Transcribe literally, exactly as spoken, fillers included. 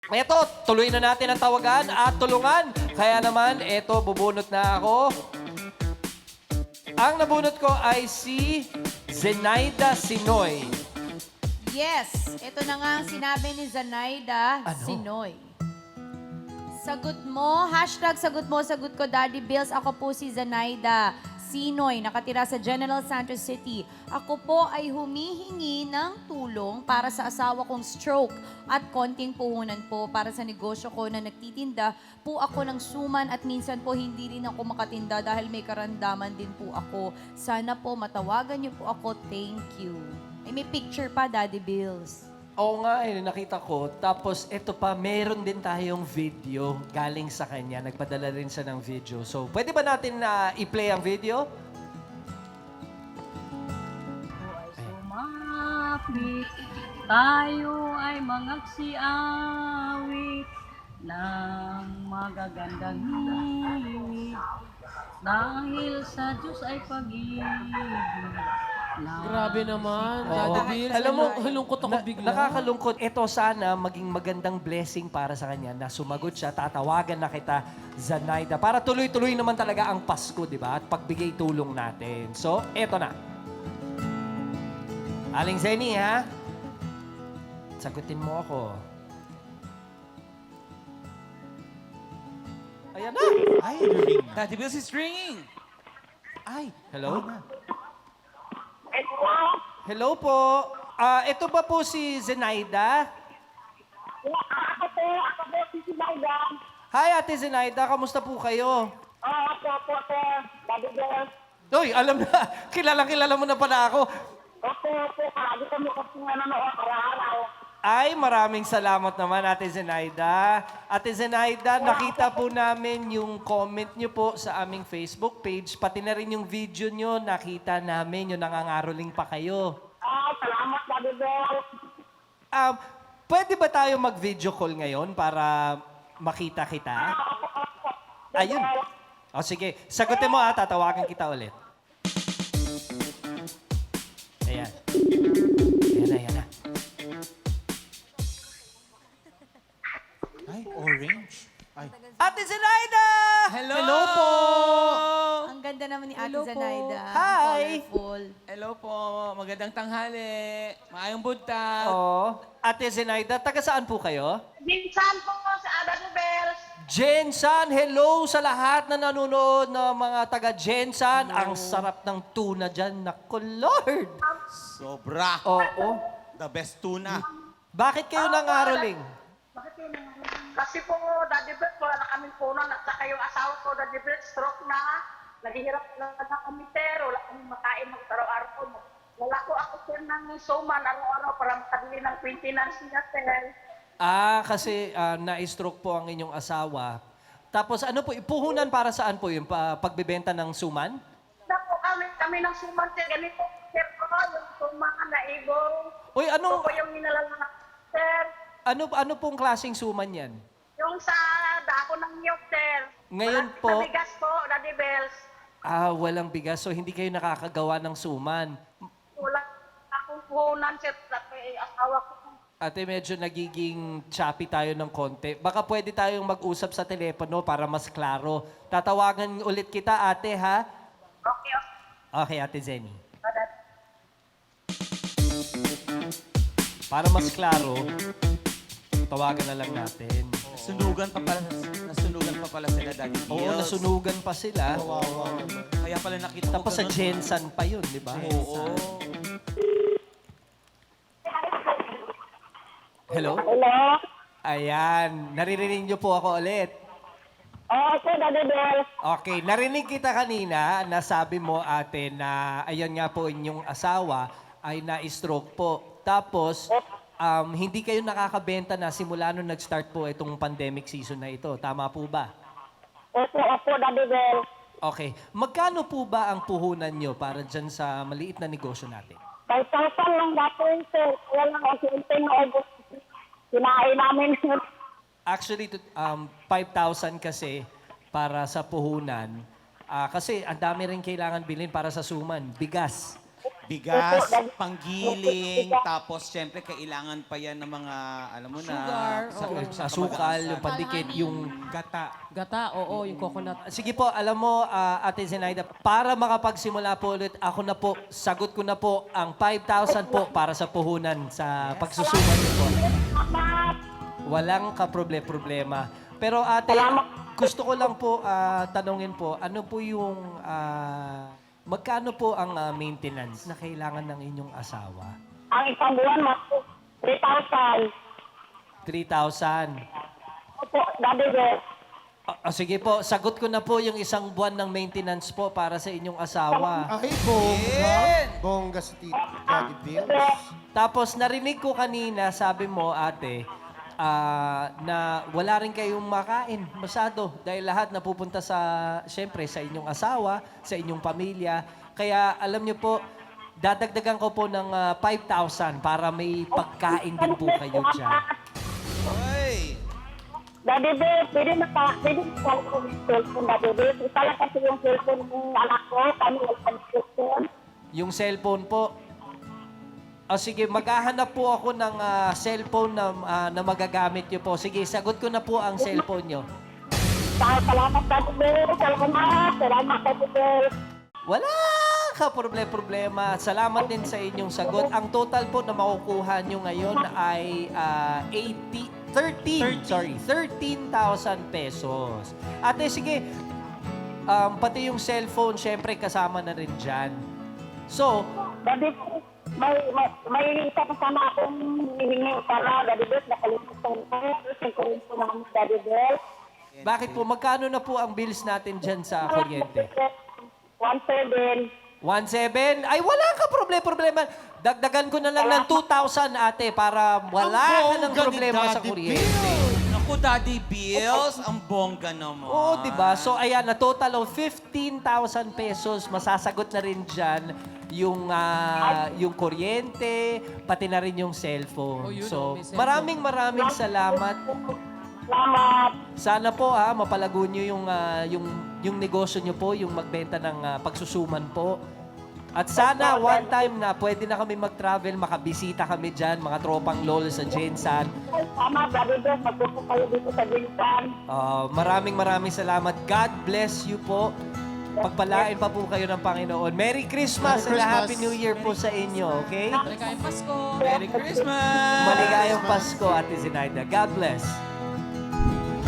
Eto, tuloy na natin ang tawagan at tulungan. Kaya naman, eto, bubunot na ako. Ang nabunot ko ay si Zenaida Sinoy. Yes, ito na nga ang sinabi ni Zanaida Ano? Sinoy. Sagot mo, hashtag sagot mo, sagot ko, Daddy Bills. Ako po si Zanaida Sinoy, nakatira sa General Santos City. Ako po ay humihingi ng tulong para sa asawa kong stroke at konting puhunan po para sa negosyo ko na nagtitinda po ako ng suman at minsan po hindi rin ako makatinda dahil may karandaman din po ako. Sana po matawagan niyo po ako. Thank you. Ay, may picture pa, Daddy Bills. Oo nga, eh, nakita ko. Tapos, eto pa, meron din tayong video galing sa kanya. Nagpadala rin siya ng video. So, pwede ba natin na i-play ang video? Sumapit, tayo ay magsiawit ng magagandang hilig. Dahil sa Diyos ay pag-ibig. Grabe naman, Oo. Daddy Bills. Alam mo, halungkot ako na- bigla. Nakakalungkot. Ito sana maging magandang blessing para sa kanya na sumagot siya, tatawagan na kita, Zanaida. Para tuloy-tuloy naman talaga ang Pasko, di ba? At pagbigay tulong natin. So, eto na. Aling Zenny, ha? Sagutin mo ako. Ayan na. Ay, ring na. Daddy Bills is ringing. Ay, Hello? ano na? Hello po. Ah, ito ba po si Zenaida? Ako po, ako po si Sinayda. Hi, Ate Zenaida. Kamusta po kayo? Oo, ako po, sir. Daddy Girl. Uy, alam na. Kilala-kilala mo na pala ako. Opo, opo. Lagi kami kasi nanonood araw-araw. Ay, maraming salamat naman, Ate Zenaida. Ate Zenaida, nakita po namin yung comment nyo po sa aming Facebook page. Pati na rin yung video nyo, nakita namin yung nangangaroling pa kayo. Ah, salamat, Daddy Girl. Um, pwede ba tayo mag-video call ngayon para makita kita? Ayun. O sige, sagutin mo ha, tatawagan kita ulit. Ayan. Ayan na, ayan na. Ay, orange. Ay, Ate Zenaida! Hello, Hello po! Ang ganda naman ni Ate Hello po. Zanaida. Hi. Colorful. Hello po. Magandang tanghali. Maayong buntag. Oo. Ate Zenaida, taga saan po kayo? Minsan po sa Daddy Bells. Jensan, hello sa lahat na nanonood ng mga taga Jensan. Ang sarap ng tuna dyan. Naku, Lord! sobra. Oo. The best tuna. Bakit kayo nangaroling? Kasi po, Daddy Bells, wala na kaming punan at saka yung asawa ko, Daddy Bells, stroke na. Naghihirap na na kami, sir. Wala kami makain ng araw-araw. Wala ko ako, sir, ng suman araw-araw para makabili ng maintenance niya, sir. Ah, kasi ah, na-stroke po ang inyong asawa. Tapos ano po, ipuhunan para saan po yung pa- pagbebenta ng suman? Naku, kami, kami ng suman, sir. Ganito, sir, ko, yung suman na ibong. Uy, Ito anong, po yung nilalala, sir. ano, ano pong klaseng suman yan? Yung sa dako ng niyog, sir. Ngayon Wala- po- Sa bigas po, Daddy Bells. Ah, walang bigas. So, hindi kayo nakakagawa ng suman. Wala akong puhunan, sir. Sa eh, asawa ko. Ate, medyo nagiging choppy tayo ng konti. Baka pwede tayong mag-usap sa telepono para mas klaro. Tatawagan ulit kita, ate, ha? Okay, okay. Okay, Ate Zenny. Para mas klaro, tawagan na lang natin. Nasunugan pa pala, nasunugan pa pala sila, Daddy Bills. Oo, nasunugan pa sila. Kaya pala nakita ko Tapos sa ganun. Jensan pa yun, di ba? Oo. Hello? Hello? Ayan, naririnig niyo po ako ulit. Oo, sir, Daddy Bells. Okay, narinig kita kanina na sabi mo, ate, na ayan nga po inyong asawa ay na-stroke po. Tapos, um, hindi kayo nakakabenta na simula nung nag-start po itong pandemic season na ito. Tama po ba? Opo, opo, Daddy Bells. Okay. Magkano po ba ang puhunan nyo para dyan sa maliit na negosyo natin? five thousand lang dati yun, sir. Kaya lang, ang simple na ubos. Kinain namin. Actually, to- um, five thousand kasi para sa puhunan. Ah, kasi ang dami rin kailangan bilhin para sa suman. Bigas. bigas, panggiling, tapos syempre kailangan pa yan ng mga, alam mo na, Sugar, sa, oo. sa Sa sukal, kamag-anak. yung pandikit, yung gata. Gata, oo, yung coconut. Sige po, alam mo, ah, Ate Zenaida, para makapagsimula po ulit, ako na po, sagot ko na po ang five thousand po para sa puhunan sa pagsusuman niyo po. Walang kaproble-problema. Pero ate, gusto ko lang po ah, tanungin po, ano po yung, ah, magkano po ang ah, maintenance na kailangan ng inyong asawa? Ang isang buwan, mas three thousand. three thousand. Opo, Daddy Bel. Ah, ah, sige po, sagot ko na po yung isang buwan ng maintenance po para sa inyong asawa. Ay, bongga. Bongga si Tito Daddy Bills. Tapos narinig ko kanina, sabi mo ate, ah, na wala rin kayong makain masyado dahil lahat napupunta sa, syempre, sa inyong asawa, sa inyong pamilya. Kaya alam niyo po, dadagdagan ko po ng ah, five thousand para may pagkain din po kayo dyan. Hoy! Daddy Bel, pwede na pa, pwede na pa yung cellphone, Daddy Bel. Isa lang kasi yung cellphone ng anak ko, kami walang cellphone. Yung cellphone po, o sige, maghahanap po ako ng ah, cellphone na, ah, na magagamit niyo po. Sige, sagot ko na po ang cellphone niyo. Salamat, Daddy Bel. Salamat. Salamat, Daddy Bel. Wala ka problema. Salamat din sa inyong sagot. Ang total po na makukuha nyo ngayon ay ah, eighty, thirteen, sorry, thirteen thousand pesos. Ate, sige, um, pati yung cellphone, syempre kasama na rin dyan. So, Daddy Bel, may, may, may isa pa sana akong hinihingi para, Daddy Bel, nakalimutan ko. Yung kurento namin, Daddy Bel. bakit po, magkano na po ang bills natin dyan sa kuryente? One seven. one seven? Ay, wala ka problema-problema. Dagdagan ko na lang ng two thousand, ate, para wala ka ng bongga ni problema sa Daddy kuryente. Naku, Daddy Bills, ang bongga naman. Oo, di ba? So, ayan, na total of fifteen thousand pesos, masasagot na rin dyan yung, ah, yung kuryente, pati na rin yung cellphone. So, maraming maraming salamat. Salamat. Sana po ha, mapalago nyo yung, ah, yung, yung negosyo nyo po, yung magbenta ng ah, pagsusuman po. At sana one time na pwede na kami mag-travel, makabisita kami dyan, mga tropang lolo sa Jensan. Salamat, Daddy Bel. Magpupo kayo dito sa Bintan. Ah, maraming maraming salamat. God bless you po. Pagpalain pa po kayo ng Panginoon. Merry Christmas, Merry and a Christmas. Happy New Year po sa inyo, okay? Merry Christmas! Maligayang Pasko, Ate Zinaida. God bless.